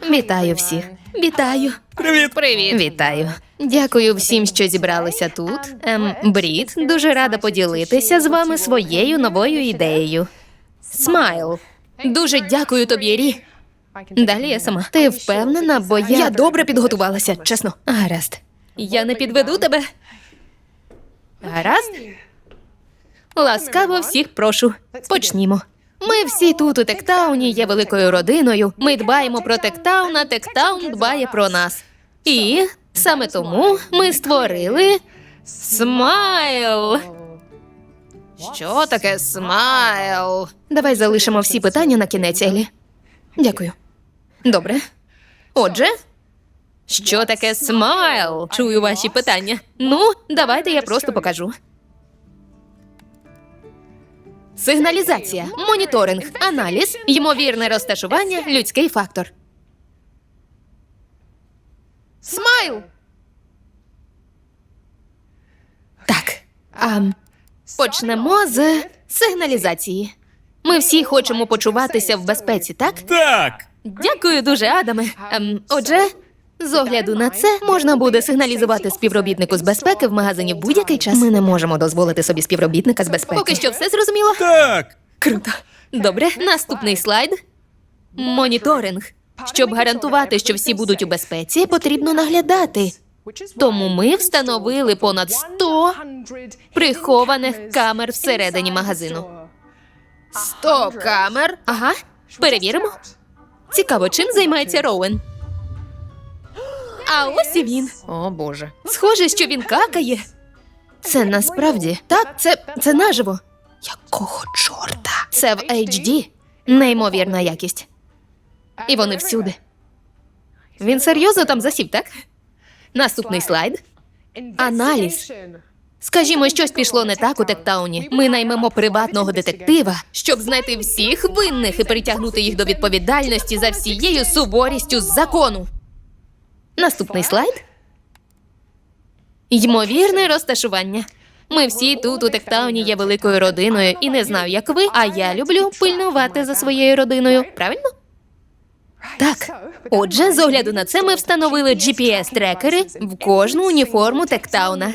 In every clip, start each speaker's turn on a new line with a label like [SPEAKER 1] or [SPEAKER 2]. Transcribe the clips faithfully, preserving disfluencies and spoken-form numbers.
[SPEAKER 1] Вітаю всіх. Вітаю.
[SPEAKER 2] Привіт!
[SPEAKER 1] Привіт. Вітаю. Дякую всім, що зібралися тут. Ем, Брід, дуже рада поділитися з вами своєю новою ідеєю. Смайл. Дуже дякую тобі, Рі. Далі я сама. Ти впевнена, бо я... Я добре підготувалася, чесно. Гаразд. Я не підведу тебе. Гаразд? Ласкаво всіх прошу. Почнімо. Ми всі тут у Тектауні є великою родиною. Ми дбаємо про Тектаун, а Тектаун дбає про нас. І саме тому ми створили Смайл. Що таке Смайл? Давай залишимо всі питання на кінець, Елі. Дякую. Добре. Отже, що таке Смайл? Чую ваші питання. Ну, давайте я просто покажу. Сигналізація, моніторинг, аналіз, ймовірне розташування, людський фактор. Смайл! Так, а, почнемо з сигналізації. Ми всі хочемо почуватися в безпеці, так?
[SPEAKER 2] Так!
[SPEAKER 1] Дякую дуже, Адаме. Ем, отже, з огляду на це, можна буде сигналізувати співробітнику з безпеки в магазині в будь-який час. Ми не можемо дозволити собі співробітника з безпеки. Поки що все зрозуміло?
[SPEAKER 2] Так!
[SPEAKER 1] Круто. Добре, наступний слайд. Моніторинг. Щоб гарантувати, що всі будуть у безпеці, потрібно наглядати. Тому ми встановили понад сто прихованих камер всередині магазину. Сто камер? Ага. Перевіримо. Цікаво, чим займається Роуен? А ось і він. О, Боже. Схоже, що він какає. Це насправді... Так, це, це наживо. Якого чорта? Це в ейч ді. Неймовірна якість. І вони всюди. Він серйозно там засів, так? Наступний слайд. Аналіз. Скажімо, щось пішло не так у Тектауні. Ми наймемо приватного детектива, щоб знайти всіх винних і притягнути їх до відповідальності за всією суворістю закону. Наступний слайд. Ймовірне розташування. Ми всі тут у Тектауні є великою родиною, і не знаю, як ви, а я люблю пильнувати за своєю родиною. Правильно? Так. Отже, з огляду на це ми встановили джі пі ес-трекери в кожну уніформу Тектауна.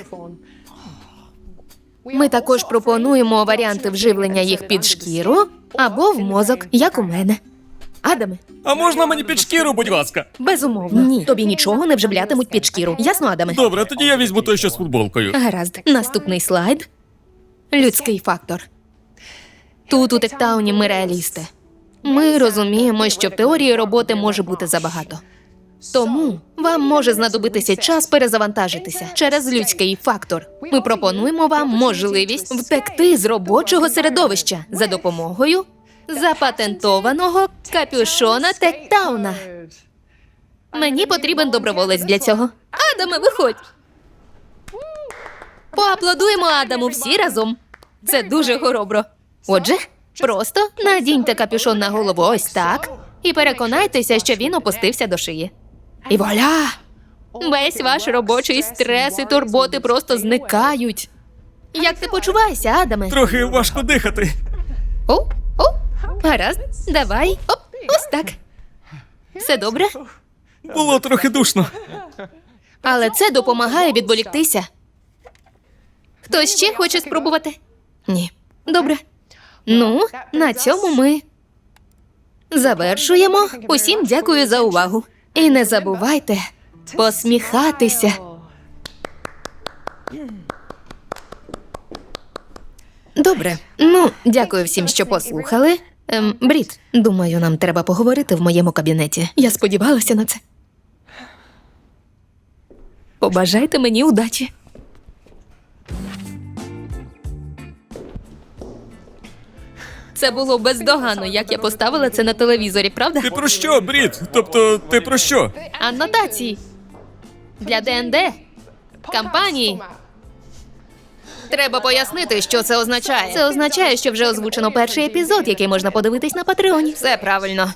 [SPEAKER 1] Ми також пропонуємо варіанти вживлення їх під шкіру або в мозок, як у мене. Адаме?
[SPEAKER 2] А можна мені під шкіру, будь ласка?
[SPEAKER 1] Безумовно. Ні. Тобі нічого не вживлятимуть під шкіру. Ясно, Адаме?
[SPEAKER 2] Добре, тоді я візьму той, що з футболкою.
[SPEAKER 1] Гаразд. Наступний слайд. Людський фактор. Тут у Тектауні ми реалісти. Ми розуміємо, що в теорії роботи може бути забагато. Тому вам може знадобитися час перезавантажитися через людський фактор. Ми пропонуємо вам можливість втекти з робочого середовища за допомогою запатентованого капюшона Тектауна. Мені потрібен доброволець для цього. Адаме, виходь! Поаплодуємо Адаму всі разом. Це дуже хоробро. Отже, просто надіньте капюшон на голову ось так і переконайтеся, що він опустився до шиї. І вуаля! Весь ваш робочий стрес і турботи просто зникають. Як ти почуваєшся, Адаме?
[SPEAKER 2] Трохи важко дихати.
[SPEAKER 1] О, о, гаразд, давай, оп, ось так. Все добре?
[SPEAKER 2] Було трохи душно.
[SPEAKER 1] Але це допомагає відволіктися. Хтось ще хоче спробувати? Ні. Добре. Ну, на цьому ми завершуємо. Усім дякую за увагу. І не забувайте посміхатися. Добре. Ну, дякую всім, що послухали. Ем, Брід, думаю, нам треба поговорити в моєму кабінеті. Я сподівалася на це. Побажайте мені удачі. Це було бездоганно, як я поставила це на телевізорі, правда?
[SPEAKER 2] Ти про що, Брід? Тобто, ти про що?
[SPEAKER 1] Анотації. Для Д Н Д. Кампанії. Треба пояснити, що це означає. Це означає, що вже озвучено перший епізод, який можна подивитись на Патреоні. Все правильно.